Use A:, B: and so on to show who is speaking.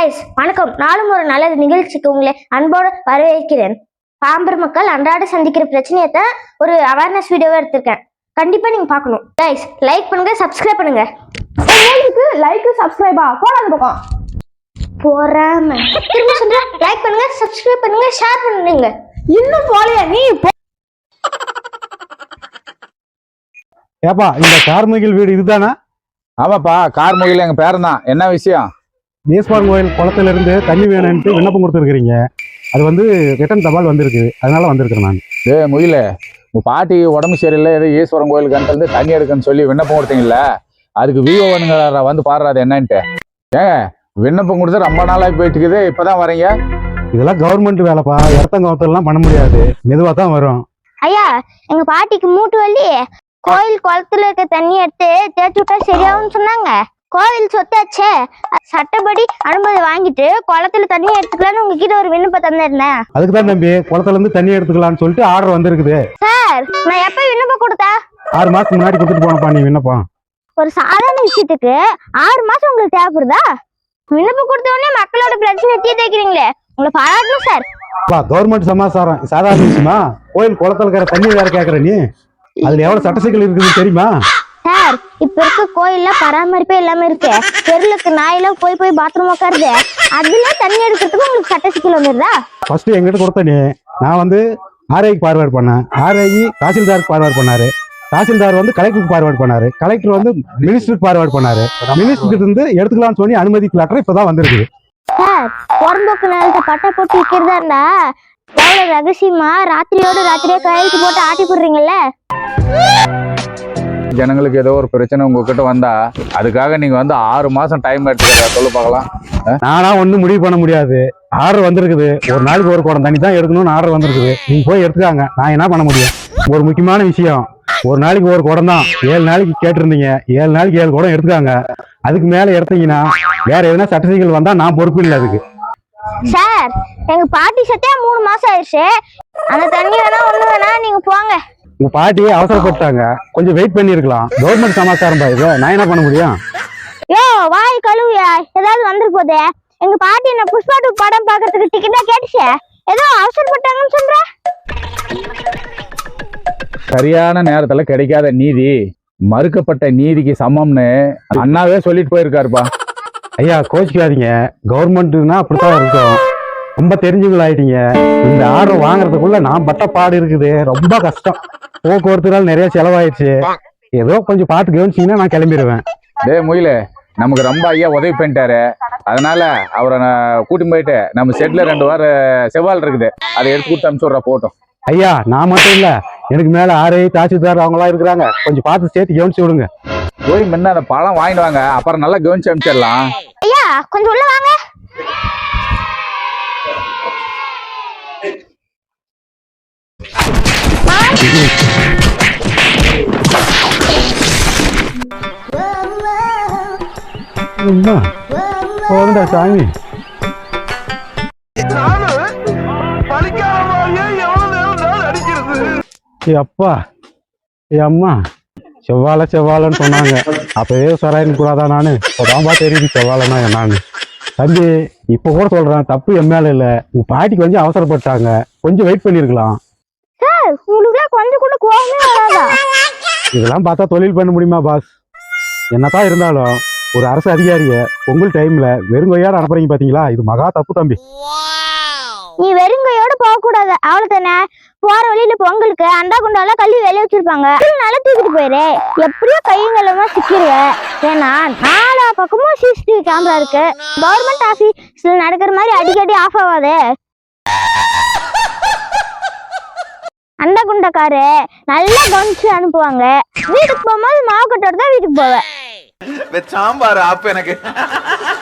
A: Guys வணக்கம். நாளும் ஒரு நல்ல நிகழ்ச்சிக்கு உங்களை அன்போடு வரவேற்கிறேன். பாம்பர் மக்கள் அன்றாட சந்திக்கிற பிரச்சனையை தான் ஒரு அவேர்னஸ் வீடியோவா எடுத்திருக்கேன். கண்டிப்பா நீங்க பார்க்கணும். கைஸ் லைக் பண்ணுங்க, சப்ஸ்கிரைப் பண்ணுங்க.
B: லைக் சப்ஸ்கிரைபா போடாத பக்கம்
A: போறாம திரும்ப சொல்றேன். லைக் பண்ணுங்க, சப்ஸ்கிரைப் பண்ணுங்க, ஷேர் பண்ணுங்க.
B: இன்னும் போலையா நீ?
C: ஏப்பா இந்த கார்முகில் வீடு இதுதானா?
D: ஆமாப்பா, கார்முகில் எங்க பேரன் தான். என்ன விஷயம்?
C: ஈஸ்வரன் கோயில் குளத்துல இருந்து தண்ணி வேணும்ட்டு விண்ணப்பம் கொடுத்துருக்கீங்க. அது வந்து ரிட்டன் தபால் வந்திருக்கு, அதனால வந்திருக்கிறேன் நான்.
D: முகில, உங்க பாட்டி உடம்பு சரியில்லை, ஏதோ ஈஸ்வரன் கோயிலுக்கு இருந்து தண்ணி எடுக்கன்னு சொல்லி விண்ணப்பம் கொடுத்தீங்கல்ல, அதுக்கு விஓவனுங்க வந்து பாடுறாது என்னன்ட்டு. ஏங்க விண்ணப்பம் கொடுத்து ரொம்ப நாளாகி போயிட்டு இருக்குது, இப்பதான் வரீங்க?
C: இதெல்லாம் கவர்மெண்ட் வேலைப்பா, இடத்தங்கவத்தெல்லாம் பண்ண முடியாது, மெதுவாக தான் வரும்.
A: ஐயா, எங்க பாட்டிக்கு மூட்டு வலி, கோயில் குளத்துல இருக்க தண்ணி எடுத்து தேய்ச்சி விட்டா சரியாகும்னு சொன்னாங்க. கோவில் சொத்தாச்சே, சட்டப்படி அனுமதி வாங்கிட்டு குளத்துல தண்ணி எடுத்துக்கலாம்னு உங்ககிட்ட ஒரு விண்ணப்பம் தந்திருந்தேன்.
C: அதுக்கு தான் தம்பி குளத்துல இருந்து தண்ணி எடுத்துக்கலாம்னு சொல்லிட்டு ஆர்டர் வந்திருக்குது.
A: சார், நான் எப்ப விண்ணப்பம் கொடுத்தா?
C: 6 மாசத்துக்கு முன்னாடி கொடுத்துட்டு போனப்பா நீ விண்ணப்பம்.
A: ஒரு சாதாரண விஷயத்துக்கு 6 மாசம் உங்களுக்கு தேவைப்படுதா? விண்ணப்பம் கொடுத்த உடனே மக்களோட பிரச்சனை தீர்த்து வைக்கிறீங்களே, உங்களை பாராட்டணும் சார்.
C: கவர்மெண்ட் சமாச்சாரம் சாதாரண விஷயமா? கோயில் குளத்துல இருக்கிற தண்ணி வேற கேக்குற நீ? அதுல எவ்வளவு சட்ட சிக்கல் இருக்குதுன்னு தெரியுமா?
A: சார், இப்ப இருக்க கோயில்ல பராமரிப்பே இல்லாம இருக்கு. தெருலுக்கு நாயெல்லாம் போய் போய் பாத்ரூம் உட்காருது, அதுல தண்ணி எடுக்கிறதுக்கு உங்களுக்கு சட்ட சிக்கல் வந்துருதா?
C: ஃபர்ஸ்ட் எங்கிட்ட கொடுத்த நீ, நான் வந்து ஆர்ஐக்கு பார்வேர்ட் பண்ணேன், ஆர்ஐ தாசில்தாருக்கு பார்வேர்ட் பண்ணாரு, தாசில்தார் வந்து கலெக்டருக்கு பார்வேர்ட் பண்ணாரு, கலெக்டர் வந்து மினிஸ்டருக்கு பார்வேர்ட் பண்ணாரு, மினிஸ்டருக்கு இருந்து எடுத்துக்கலாம்னு சொல்லி அனுமதி லெட்டர் இப்பதான் வந்திருக்குது.
A: சார், புறம்போக்கு நிலத்தை பட்டை போட்டு விற்கிறதா இருந்தா எவ்வளவு ரகசியமா ராத்திரியோட ராத்திரியே கையெழுத்து போட்டு ஆட்டி போடுறீங்கல்ல.
D: ஜனங்களுக்கு ஏதோ ஒரு பிரச்சனை உங்ககிட்ட வந்தா அதுக்காக நீங்க வந்து 6 மாசம் டைம் எடுத்துக்கிறதா சொல்லு பார்க்கலாம்.
C: நானா ஒண்ணும் முடிவு பண்ண முடியாது. ஆர்டர் வந்திருக்குது, ஒரு நாளைக்கு ஒரு குடம் தண்ணி தான் எடுக்கணும்னு ஆர்டர் வந்திருக்குது. நீங்க போய் எடுத்துக்காங்க, நான் என்ன பண்ண முடியும்? ஒரு முக்கியமான விஷயம், ஒரு நாளைக்கு ஒரு குடம் தான், 7 நாளைக்கு கேட்டிருந்தீங்க, 7 நாளைக்கு 7 குடம் எடுத்துக்காங்க. அதுக்கு மேல எடுத்தீங்கன்னா வேற எதுனா சர்டிபிகேட் வந்தா நான் பொறுப்பு இல்லை அதுக்கு.
A: சார், எங்க பாட்டி சத்தே 3 மாசம் ஆயிடுச்சு. அந்த தண்ணி வேணா ஒண்ணு வேணா நீங்க போங்க.
C: உங்க பாட்டி அவசரப்பட்டாங்க, கொஞ்சம் வெயிட் பண்ணி இருக்கலாம். கவர்மெண்ட் சமாச்சாரம் பாருங்க, நான் என்ன பண்ண முடியும்?
A: யோ வாய் கழுவியா, ஏதாவது வந்துரு போதே. எங்க பாட்டி என்ன புஷ்பா 2 படம் பாக்குறதுக்கு டிக்கெட்டா கேட்டுச்சு, ஏதோ அவசரப்பட்டாங்கன்னு சொல்ற.
D: சரியான நேரத்துல கிடைக்காத நீதி மறுக்கப்பட்ட நீதிக்கு சமம்னு அண்ணாவே சொல்லிட்டு போயிருக்காருப்பா.
C: ஐயா கோச்சிக்காதீங்க, கவர்மெண்ட்னா அப்படித்தான் இருக்கும். ரொம்ப தெரிஞ்சுகள் ஆயிட்டீங்க. இந்த ஆர்டர் வாங்குறதுக்குள்ள நான் பட்ட பாடு இருக்குது, ரொம்ப கஷ்டம். போக்குவரத்துனால நிறைய செலவாயிடுச்சு. ஏதோ கொஞ்சம் பார்த்து கவனிச்சீங்கன்னா நான் கிளம்பிடுவேன்.
D: முயில, நமக்கு ரொம்ப ஐயா உதவி பண்ணிட்டாரு, அதனால அவரை கூட்டி போயிட்டு நம்ம செட்ல 2 வாரம் செவ்வால் இருக்குது, அதை எடுத்து கொடுத்து அனுப்பிச்சுடுறா போட்டோம்.
C: ஐயா நான் மட்டும் இல்ல, எனக்கு மேல ஆர்ஐ தாசில்தார் அவங்களா இருக்கிறாங்க, கொஞ்சம் பார்த்து சேர்த்து கவனிச்சு விடுங்க.
D: போய் முன்ன அந்த பழம் வாங்கிட்டு வாங்க, அப்புறம் நல்லா கவனிச்சு அனுப்பிச்சிடலாம்.
A: ஐயா கொஞ்சம் உள்ள வாங்க.
C: போதுண்டா சாமி. அப்பா அம்மா செவ்வாழைன்னு சொன்னாங்க, அப்பவே சொராயின்னு கூடாதா? நானு இப்போதான்பா தெரியுது செவ்வாழைன்னா என்னான்னு. தம்பி இப்ப கூட சொல்றேன், தப்பு என் மேல இல்ல, உங்க பாட்டி கொஞ்சம் அவசரப்பட்டாங்க, கொஞ்சம் வெயிட் பண்ணிருக்கலாம்.
A: உங்களுக்கு கொஞ்சம் கூட கோவமே வராதா?
C: இதெல்லாம் பார்த்தா தொழில் பண்ண முடியுமா பாஸ்? என்னதான் இருந்தாலும் ஒரு அரசு அதிகாரிய பொங்கல் டைம்ல வெறுங்கையோட அனுப்புறீங்க பாத்தீங்களா, இது மகா தப்பு தம்பி.
A: நீ வெறுங்கையோட போக கூடாது, அவ்வளவுதானே. போற வழியில பொங்கலுக்கு அண்டா குண்டால கல்வி வெளிய வச்சிருப்பாங்க, நல்லா தூக்கிட்டு போயிரு. எப்படியோ கைங்களமா சிக்கிருவ. ஏன்னா 4 பக்கமும் சிசிடிவி கேமரா இருக்கு. கவர்மெண்ட் ஆபீஸ்ல நடக்கிற மாதிரி அடிக்கடி ஆஃப் ஆகாது. அண்டா குண்டக்காரு நல்லா கவனிச்சு அனுப்புவாங்க. வீட்டுக்கு போகும்போது மாவு கட்டோட தான் வீட்டுக்கு போவேன்.
E: சாம்பார் ஆப்பு எனக்கு